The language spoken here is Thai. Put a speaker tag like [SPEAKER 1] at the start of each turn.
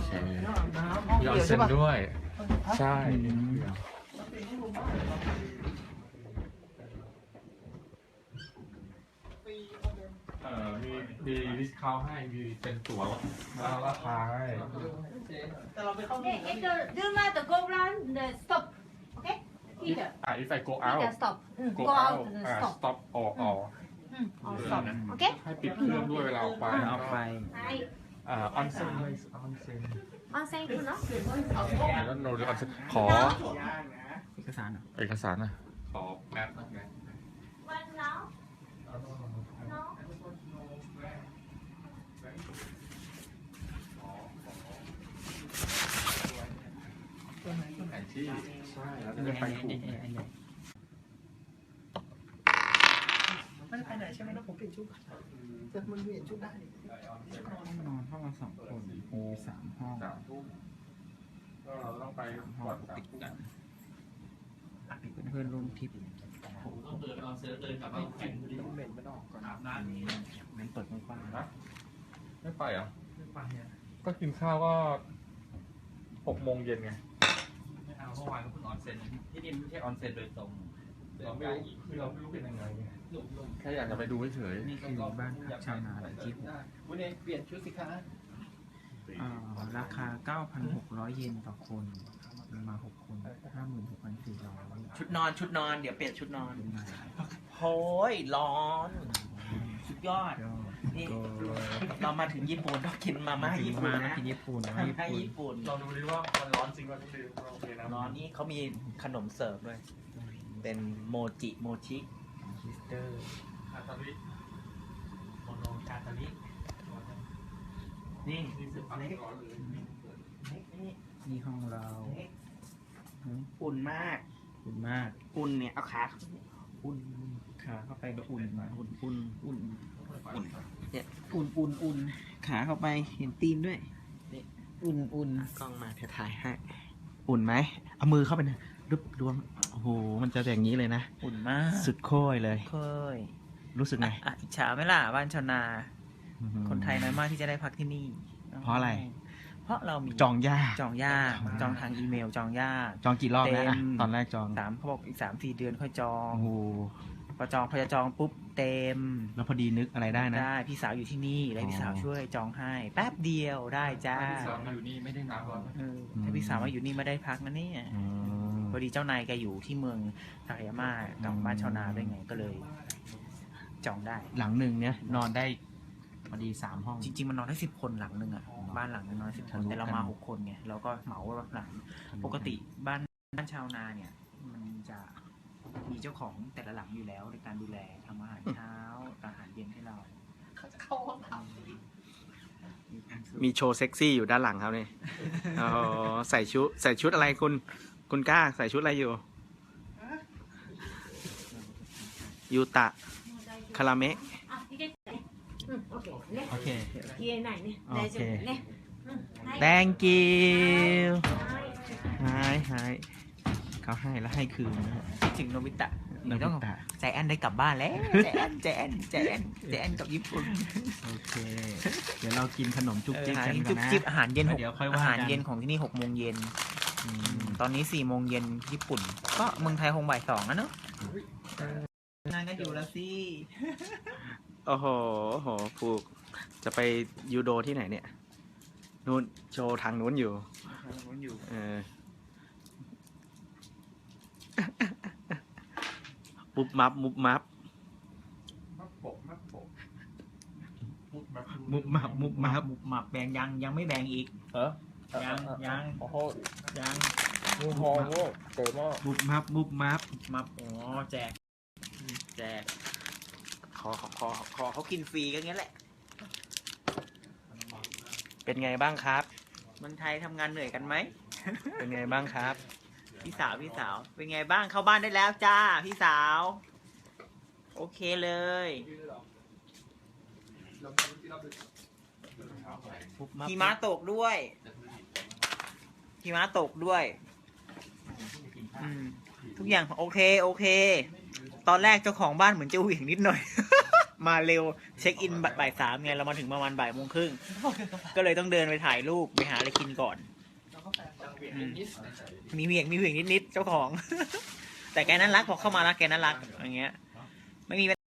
[SPEAKER 1] เคมีออนเซ็นด้วย ใช่มีดิสคาวให้มีเป็นตั๋วแล้วราคาให้
[SPEAKER 2] Hey, do not go round the stop. Okay? Here.
[SPEAKER 1] if I go out
[SPEAKER 2] Here, stop.
[SPEAKER 1] go
[SPEAKER 2] Go
[SPEAKER 1] out
[SPEAKER 2] out to the stop.
[SPEAKER 1] stop or
[SPEAKER 2] Or stop. Okay?
[SPEAKER 1] ให้ปิดเครื่องด้วยเวลาออกไป
[SPEAKER 3] เอาไป
[SPEAKER 2] Hi.
[SPEAKER 1] ออนเซ็น
[SPEAKER 2] Onsen to no?
[SPEAKER 1] แล้วโนหรือออนเซ็นขอ
[SPEAKER 3] เอกสารเหรอ
[SPEAKER 1] เอกสารนะขอแมปนะ
[SPEAKER 2] One now. No.
[SPEAKER 1] แผนที่ใช่แล้วจะไปถูก
[SPEAKER 4] ไม่ได้ไปไหนใช่ไหมนะผมเปลี่ยนชุดแต่มันเปลี่ยนชุดได้นี่
[SPEAKER 3] นอนห้องละ2 คนมี3 ห้อง
[SPEAKER 1] 3 ทุ่มก็เราต้องไปก่อน3 ทุ่ม
[SPEAKER 3] เพื่อนร่วมทริป
[SPEAKER 4] ต้องเหม็นมันออกก่อนอาบน้ำ
[SPEAKER 3] มันเปิดกว้าง
[SPEAKER 1] นะไม่ไปเหรอ
[SPEAKER 4] ไม่ไปเนี่ย
[SPEAKER 1] ก็กินข้าวก็6 โมงเย็นไง
[SPEAKER 5] ไม่เอาเมื่อวานก็เพิ่งออนเซ็นที่นี่ไม่ใช่ออนเซ็นโดยตรง
[SPEAKER 1] เราไม่รู้เป็นยังไงไงแค่อยากจะไปดูเฉย
[SPEAKER 3] ๆนี่คือบ้านพักชาวนาหลังที่
[SPEAKER 4] วันนี้เปลี่ยนชุดสิคะ
[SPEAKER 3] ราคา 9,600 เยนต่อคนมา6 คน 56,400
[SPEAKER 5] ชุดนอนเดี๋ยวเปลี่ยนชุดนอน
[SPEAKER 3] เป็นไง
[SPEAKER 5] โอ้ยร้อนสุดยอด
[SPEAKER 3] ก็
[SPEAKER 5] นี่เรามาถึงญี่ปุ่นต้องกินมาม่าญี่ปุ่น
[SPEAKER 3] มา
[SPEAKER 5] นะ
[SPEAKER 3] ที่ญี่ปุ่นนะ
[SPEAKER 5] มา
[SPEAKER 3] ญี่
[SPEAKER 5] ม่า
[SPEAKER 3] ปุ่น
[SPEAKER 5] ญี่ปุ่น
[SPEAKER 1] ๆลองดูดิว่ามันร้อนจริงว่าที่โอเคนะ
[SPEAKER 5] ร้อนนี่เขามีขนมเสิร์ฟด้วย เป็นโมจิโมชิ
[SPEAKER 3] ฮิสเตอร์
[SPEAKER 1] อาตาลิ
[SPEAKER 5] โมโนกาตารินี่สุดเล็กนี่
[SPEAKER 3] นี่ห้องเรา
[SPEAKER 5] อุ่นมาก
[SPEAKER 3] อุ่นมาก
[SPEAKER 5] อุ่นเนี่ยเอาขาอุ่น
[SPEAKER 3] ขาเข้าไปก็อุ่นมา
[SPEAKER 5] อุ่น
[SPEAKER 3] อุ่น
[SPEAKER 5] เนี่ย
[SPEAKER 3] อุ่นขาเข้าไปเห็นตีนด้วยนี่อุ่น
[SPEAKER 5] กล้องมาถ่ายให้ อุ่นไหมเอามือเข้าไปนะรึบรวมโอ้โหมันจะอย่างนี้เลยนะ
[SPEAKER 6] อุ่นมาก
[SPEAKER 5] สุดโค้ยเลย
[SPEAKER 6] เคย
[SPEAKER 5] รู้สึกไง
[SPEAKER 6] อิจฉาไหมล่ะบ้านชาวนา คนไทยน้อยมากที่จะได้พักที่นี่
[SPEAKER 5] เพราะอะไร
[SPEAKER 6] เพราะเรามี
[SPEAKER 5] จองยาก
[SPEAKER 6] จองยากจองทางอีเมลจองยาก
[SPEAKER 5] จองกี่รอบนะ
[SPEAKER 6] เต็ม
[SPEAKER 5] ตอนแรกจอง
[SPEAKER 6] เขาบอกอีก3-4 เดือนค่อยจอง
[SPEAKER 5] โอ้โห
[SPEAKER 6] พอจะจองปุ๊บเต็ม
[SPEAKER 5] แล้วพอดีนึกอะไรได้นะ
[SPEAKER 6] ได้พี่สาวอยู่ที่นี่แล้วพี่สาวช่วยจองให้แป๊บเดียวได้จ้า
[SPEAKER 1] ที่สองมาอยู่นี่ไม่ได้นับหรอก
[SPEAKER 6] ถ้าพี่สาวมาอยู่นี่ไม่ได้พักนะเนี่ย
[SPEAKER 5] อืม
[SPEAKER 6] พอดีเจ้านายแกอยู่ที่เมืองทากายาม่ากับบ้านชาวนาด้วยไงก็เลย จองได้
[SPEAKER 5] หลังหนึ่งเนี่ยนอนได้พอดี3 ห้อง
[SPEAKER 6] จริงๆมันนอนได้10 คนหลังหนึ่งอ่ะบ้านหลังนึงนอน10 คนแต่เรามา6 คนไงเราก็เหมาหลังปกติบ้านชาวนาเนี่ยมันจะมีเจ้าของแต่ละหลังอยู่แล้วในการดูแลทำอาหารเช้าอาหารเย็นให้เรา
[SPEAKER 4] เขาจะเข้าห้องน้
[SPEAKER 5] มีโชว์เซ็กซี่อยู่ด้านหลังครับนี่อ๋อใส่ชุดอะไรคุณกล้าใส่ชุดอะไรอยู่ ยูตะ คาราเมะ
[SPEAKER 2] Okay.
[SPEAKER 5] โอเค
[SPEAKER 2] Here ไหนเนี่ย
[SPEAKER 5] โอเค
[SPEAKER 2] เนี่ย
[SPEAKER 5] thank you ให้เขาให้แล้วให้คืนนะฮะ
[SPEAKER 6] ถึงโนบิตะ
[SPEAKER 5] โน
[SPEAKER 6] นี่ต้อง
[SPEAKER 5] บิตะ
[SPEAKER 6] ใจแอนได้กลับบ้านแล้วใจแอนกับญี่ปุ่น
[SPEAKER 5] โอเค เดี๋ยวเรากินขนมจุ๊บจิ๊บ
[SPEAKER 6] อาหาร
[SPEAKER 5] กันก่อ
[SPEAKER 6] จุ๊
[SPEAKER 5] น
[SPEAKER 6] บ
[SPEAKER 5] นะ
[SPEAKER 6] จิ๊บอาหารเย็น
[SPEAKER 5] แล้วเดี๋ยวค่อยว่ากัน
[SPEAKER 6] อาหารเย็นของที่นี่6 โมงเย็น
[SPEAKER 5] อืม
[SPEAKER 6] ตอนนี้4 โมงเย็นญี่ปุ่น ก็เมืองไทยคงบ่าย 2นะเนอะนานก็อยู่แล้วสิ
[SPEAKER 5] โอ้โหผูกจะไปยูโดที่ไหนเนี่ยนู่นโชว์ทางนู้นอยู่
[SPEAKER 6] อยู่
[SPEAKER 5] เออ มุบมับ
[SPEAKER 1] มับปก
[SPEAKER 5] มุบมับ
[SPEAKER 6] หมับแบ่งยังไม่แบ่งอีกยัง
[SPEAKER 4] ำโอ้โห
[SPEAKER 6] ยัง
[SPEAKER 4] งูหองโง่เต๋อหม้อ
[SPEAKER 5] มุบมับ
[SPEAKER 6] มับอ๋อแจกขอเขากินฟรีก็งั้นแหละ
[SPEAKER 5] เป็นไงบ้างครับ
[SPEAKER 6] เมืองไทยทำงานเหนื่อยกันไหม
[SPEAKER 5] เป็นไงบ้างครับ
[SPEAKER 6] พี่สาวเป็นไงบ้างเข้าบ้านได้แล้วจ้าพี่สาว โอเคเลยหิมะตกด้วยทุกอย่างโอเค ตอนแรกเจ้าของบ้านเหมือนจะเหวี่ยงนิดหน่อยมาเร็วเช็คอินบ่าย 3ไงเรามาถึงประมาณ13:30ก็เลยต้องเดินไปถ่ายรูปไปหาอะไรกินก่อนมีเหวี่ยงนิดๆเจ้าของ แต่แกนั้นรักพอเข้ามาแล้วแกนั้นรักอย่างเงี้ยไม่มี